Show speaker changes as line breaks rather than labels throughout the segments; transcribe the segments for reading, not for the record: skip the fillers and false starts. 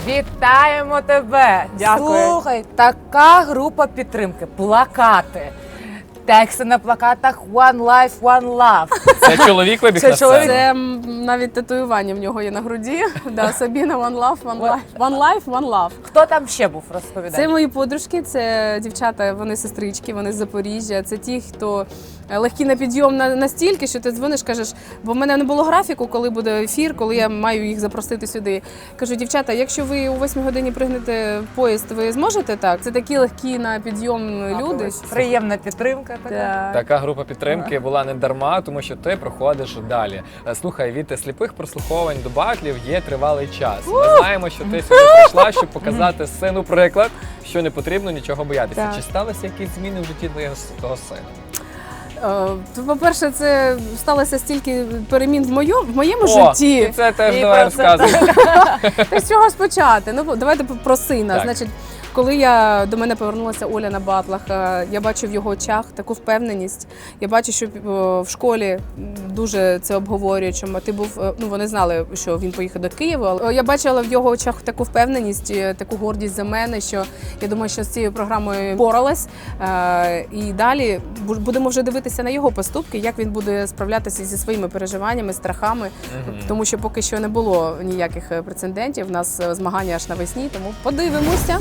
Вітаємо тебе!
Дякую.
Слухай, така група підтримки, плакати. Тексти на плакатах One Life, One Love.
Це чоловік вибіг
Це
на сцену?
чоловік.
Це навіть татуювання в нього є на груді. Да, Сабіна, One Love, One Life. One Life, One Love.
Хто там ще був, розповідай?
Це мої подружки, це дівчата, вони сестрички, вони з Запоріжжя. Це ті, хто легкі на підйом настільки, що ти дзвониш, кажеш, бо в мене не було графіку, коли буде ефір, коли я маю їх запросити сюди. Кажу, дівчата, якщо ви о 8 годині пригнете в поїзд, ви зможете так? Це такі легкі на підйом люди.
Приємна підтримка така.
Да.
Така група підтримки була не дарма, тому що ти проходиш далі. Слухай, від сліпих прослуховувань до батлів є тривалий час. Ми знаємо, що ти сюди прийшла, щоб показати сину приклад, що не потрібно нічого боятися.
Так.
Чи сталися якісь зміни в житті твого сина?
По-перше, це сталося стільки перемін в моєму
О,
житті.
і це теж
І
давай
про це
розказуй.
Та з чого ж почати? Ну, давайте про сина.
Так.
Значить, коли до мене повернулася Оля на батлах, я бачу в його очах таку впевненість. Я бачу, що в школі дуже це обговорюють, що ти був, ну вони знали, що він поїхав до Києва. Але я бачила в його очах таку впевненість, таку гордість за мене, що я думаю, що з цією програмою боролась. І далі будемо вже дивитися на його поступки, як він буде справлятися зі своїми переживаннями, страхами, тому що поки що не було ніяких прецедентів. У нас змагання аж навесні, тому подивимося.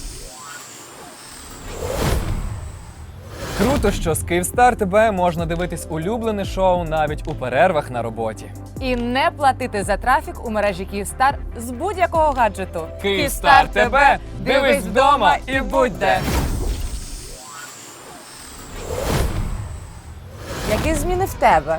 Круто, що з Київстар ТБ можна дивитись улюблене шоу навіть у перервах на роботі.
І не платити за трафік у мережі Київстар з будь-якого гаджету.
Київстар ТБ! Дивись вдома і будь де!
Які зміни в тебе?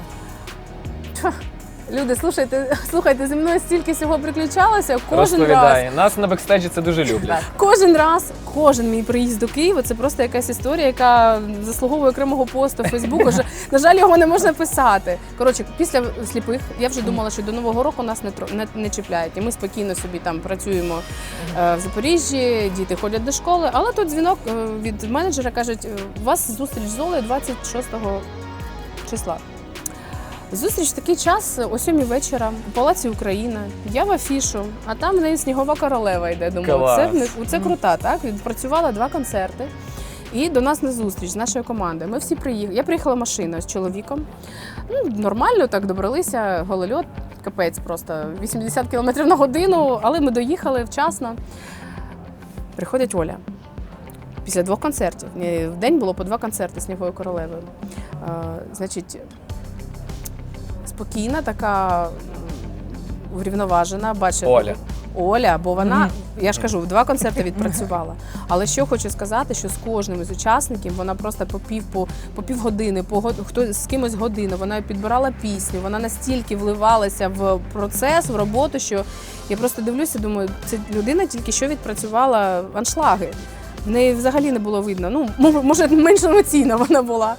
Люди, слухайте, зі мною стільки всього приключалося.
Розповідає. Нас на бекстейджі це дуже люблять.
Кожен мій приїзд до Києва – це просто якась історія, яка заслуговує окремого посту в Фейсбуку. На жаль, його не можна писати. Коротше, після сліпих я вже думала, що до Нового року нас не чіпляють. І ми спокійно собі там працюємо в Запоріжжі, діти ходять до школи. Але тут дзвінок від менеджера, кажуть, у вас зустріч з Олею 26 числа. Зустріч в такий час о 7 вечора у Палаці Україна. Я в афішу, а там в неї снігова королева йде. Думаю, це крута, так? Відпрацювала 2 концерти. І до нас на зустріч з нашою командою. Ми всі приїхали. Я приїхала машиною з чоловіком. Нормально так добралися, голольот, капець просто. 80 км на годину, але ми доїхали вчасно. Приходить Оля. Після 2 концертів. В день було по 2 концерти з Сніговою королевою. Значить, спокійна, така врівноважена, бачила. Оля, бо вона, я ж кажу, 2 концерти відпрацювала. Але що хочу сказати, що з кожним із учасників вона просто по півгодини, хто з кимось годину, вона підбирала пісню, вона настільки вливалася в процес, в роботу, що я просто дивлюся, думаю, це людина тільки що відпрацювала аншлаги. В неї взагалі не було видно. Ну, може, менш емоційна вона була.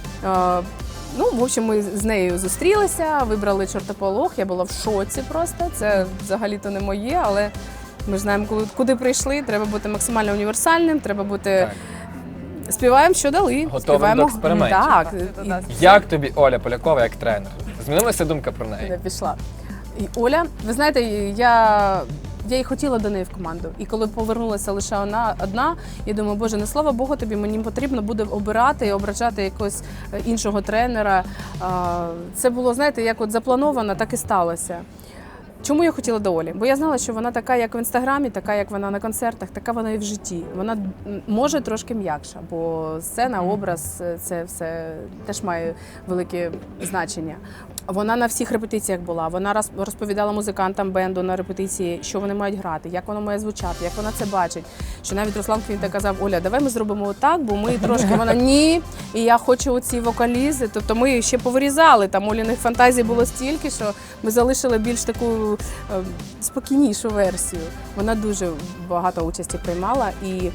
Ну, в общем, ми з нею зустрілися, вибрали чортополох, я була в шоці просто, це взагалі-то не моє, але ми ж знаємо, куди прийшли, треба бути максимально універсальним, треба бути... Співаємо, що дали.
Готовим до експериментів.
Так.
Як тобі Оля Полякова як тренер? Змінилася думка про неї?
Не пішла. І Оля, ви знаєте, я її хотіла до неї в команду. І коли повернулася лише одна, я думаю, боже, не слава Богу тобі, мені потрібно буде обирати і обращати якогось іншого тренера. Це було, знаєте, як от заплановано, так і сталося. Чому я хотіла до Олі? Бо я знала, що вона така, як в Інстаграмі, така, як вона на концертах, така вона і в житті. Вона може трошки м'якша, бо сцена, образ, це все теж має велике значення. Вона на всіх репетиціях була, вона розповідала музикантам бенду на репетиції, що вони мають грати, як воно має звучати, як вона це бачить. Що навіть Руслан Квінта казав, Оля, давай ми зробимо отак, бо ми трошки, вона ні, і я хочу оці вокалізи. Тобто ми ще повирізали, там Оліних фантазій було стільки, що ми залишили більш таку спокійнішу версію. Вона дуже багато участі приймала, і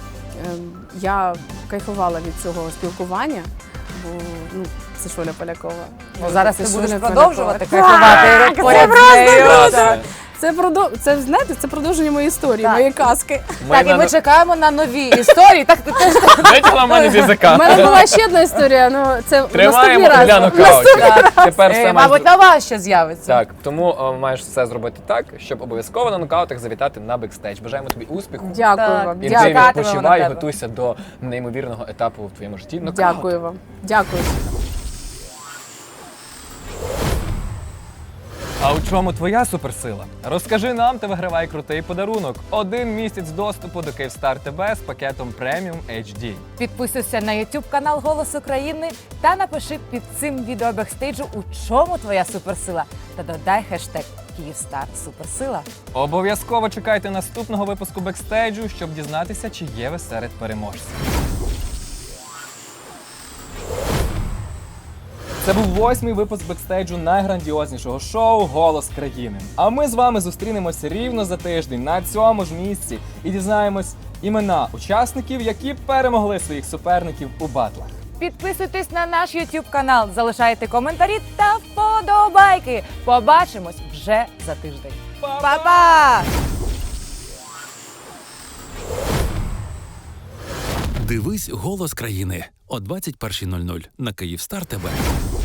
я кайфувала від цього спілкування, бо це ж Оля Полякова.
Зараз ти
Це
будеш
Оля
продовжувати
Полякова.
кайфувати поряд з нею.
Це, знаєте, це продовження моєї історії,
Так.
моєї казки.
Так, і ми чекаємо на нові історії. Так, ти теж
Витягла мене з
У
язика.
мене була ще одна історія, ну це в
Тримаємо
наступний раз.
для нокаутів. Тепер все
мабуть, нова ще з'явиться.
Так, тому маєш все зробити так, щоб обов'язково на нокаутах завітати на бекстейдж. Бажаємо тобі успіху.
Дякую
Так.
вам.
І
Дякую.
ти
Чекатимемо на
відпочивай,
тебе.
готуйся до неймовірного етапу в твоєму житті. Нокаут.
Дякую вам. Дякую.
А у чому твоя суперсила? Розкажи нам та вигравай крутий подарунок. 1 місяць доступу до Київстар ТБ з пакетом Premium HD.
Підписуйся на YouTube канал Голос України та напиши під цим відео бекстейджу, у чому твоя суперсила. Та додай хештег Київстар Суперсила.
Обов'язково чекайте наступного випуску бекстейджу, щоб дізнатися, чи є ви серед переможців. Це був 8-й випуск бекстейджу найграндіознішого шоу «Голос країни». А ми з вами зустрінемося рівно за тиждень на цьому ж місці і дізнаємось імена учасників, які перемогли своїх суперників у батлах.
Підписуйтесь на наш YouTube канал, залишайте коментарі та вподобайки. Побачимось вже за тиждень. Па-па!
Дивись «Голос країни» о 21:00 на Київстар ТБ.